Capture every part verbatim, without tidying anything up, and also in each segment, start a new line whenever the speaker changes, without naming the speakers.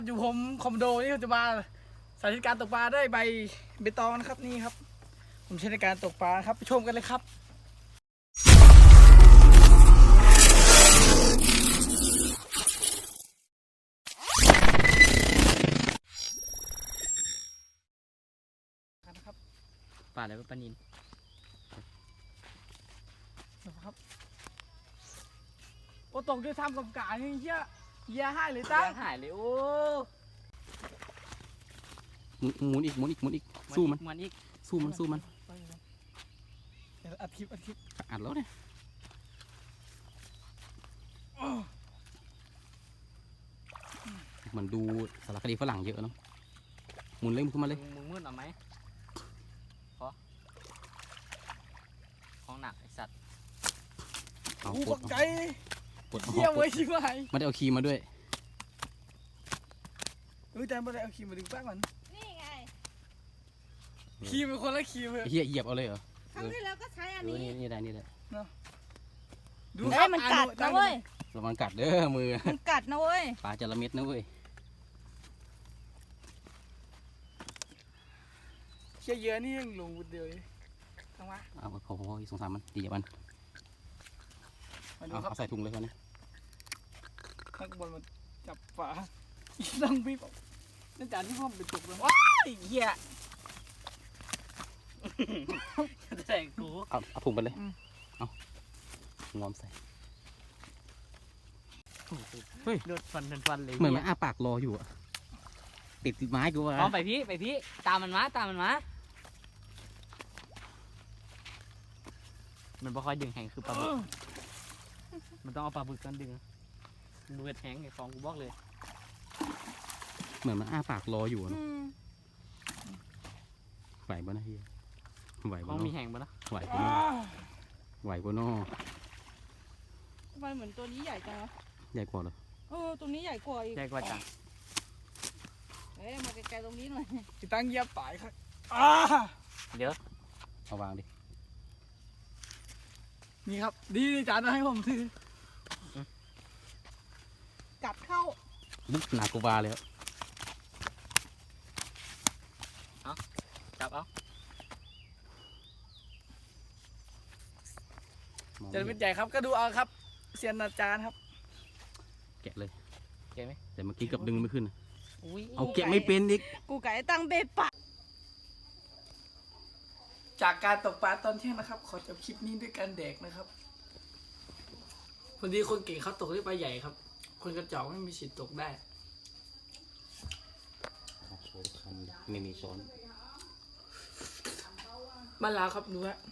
อยู่ผมคอมโดนี่จะมาสาธิตการตกปลาได้ใบเบตองนะครับนี่ครับผมใช้ในการตกปลาครับไปชมกันเลยครับนะครับ
ปลาอะไรปลานิล
นะครับโอ้ตกด้วยทำกับกานี่เหี้ยเหี้ยให้เลยตั้ง
หายเลยโอ้
หมุนอีกหมุนอีกหมุนอีกสู้มัน
มันอีก
สู้มันสู้มัน
เดี๋ยวอัดคลิปอัดคลิป
อัดแล้วเนี่ยมันดูสารคดีฝรั่งเยอะเนาะหมุนเลยขึ้นมาเลย
มึงมืดเอาไหมขอของหนักไอสัตว์
เอา
กู
ปล
ต
ด
กใจ
ปลด
เหี้ยเว้ยชิบหาย
ไม่ได้เอาคีย์มาด้วย
เออแต่ไม่ได้เอาครีมมาดึงแป้งมัน
นี่ไง
ครีมเป็นคนละครีมเลย
เฮียเหยียบเอาเลยเหรอ
ครั้งที่แล้วก็ใช้อัน
เออ
นี้
นี่นี่ได้นี่ได้
ดู
เอ้ยมันกัดนะเว้ย
ระวังกัดเด้อมือ
มันกัดนะเว้ย
ปลาจระเม็ดนะเว้ย
เชี่ยเยอะนี่ยังลงบุดเดียวเลยทำไม
เอาพอพอสงสารมันดีอย่ามัน
มาดู
เอา
ครับ
เอาใส่ถุงเลยคนนี้
ข้างบนมันจับฝาอีนั่งพี่บอกนั่นจานที่พ่อมไปตกเลยว้ายเหี้ย
จะใส่กู
เอาเอาถุงไปเลย
อืม
เอางอมใส่ เฮ้ย
โดดฟันฟันฟันเลย
เหมือนมันอ้าปากรออยู่อะติดไม้กูว่า
พร้อมไปพี่ไปพี่ตามมันมาตามมันมามันบ่ค่อยดึงแหงคือปลาบึกมันต้องเอาปลาบึกกันดึงดูเห็ดแหงไอ้ของกูบอกเลย
เหมือนมันอ้าปากรออยู่อะ
อื
เนอะ
ม
ไหวบ่นะเฮียไหว
ข
บ่
อง
เน
มี
อะ
แหงปะนะ
ไหวบ่เนอะไหวบ่เนอะ
ทำไมเหมือนตัวนี้ใหญ่จังวะ
ใหญ่กว่าเหรอ
เออตัวนี้ใหญ่กว่าอีก
ใหญ่กว่าจัง
เอ้ยมาไกลๆตรงนี้หน่อย
อีตั้งเหยียบตายครับอ้า
เดี๋ยว
เอาวางดิ
นี่ครับดีจานเอาให้ผมถือ
กัดเข้า
ลึกหนักกูบาเลยอะ
จับเอา
มอง
จะ
ไม่
เป็
เห็
น
น
ใหญ่ครับก็ดูเอาครับเซียนอาจารย์ครับ
แกะเลย
เก็บไหม
แต่เมื่อกี้เกับดึงไม่ขึ้นนะ
อุ้ย
เอาแกะไม่เป็นอีก
กูไก่ตั้งเบปะ
จากการตกปลาตอนเที่ยงนะครับ ขอจบคลิปนี้ด้วยการแดกนะครับคนดีคนเก่งเขาตกได้ปลาใหญ่ครับ คนกระจอกไม่มีสิทธิ์ตกได้
ช้อนคันไม่มีช้อน
บ้านลาวครับดูฮะ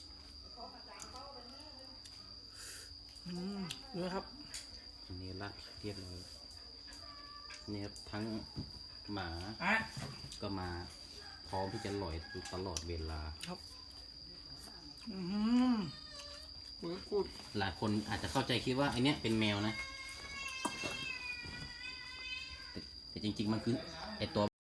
อืมดูนะครับ
อันนี้ละเรียบร้อยนี่ครับทั้งหมา
อ่ะ
ก็มาพร้อมที่จะลอยตลอดเวลา
อืมกูกูด
หลายคนอาจจะเข้าใจคิดว่าไอเนี้ยเป็นแมวนะ แต่แต่จริงๆมันคือไอตัว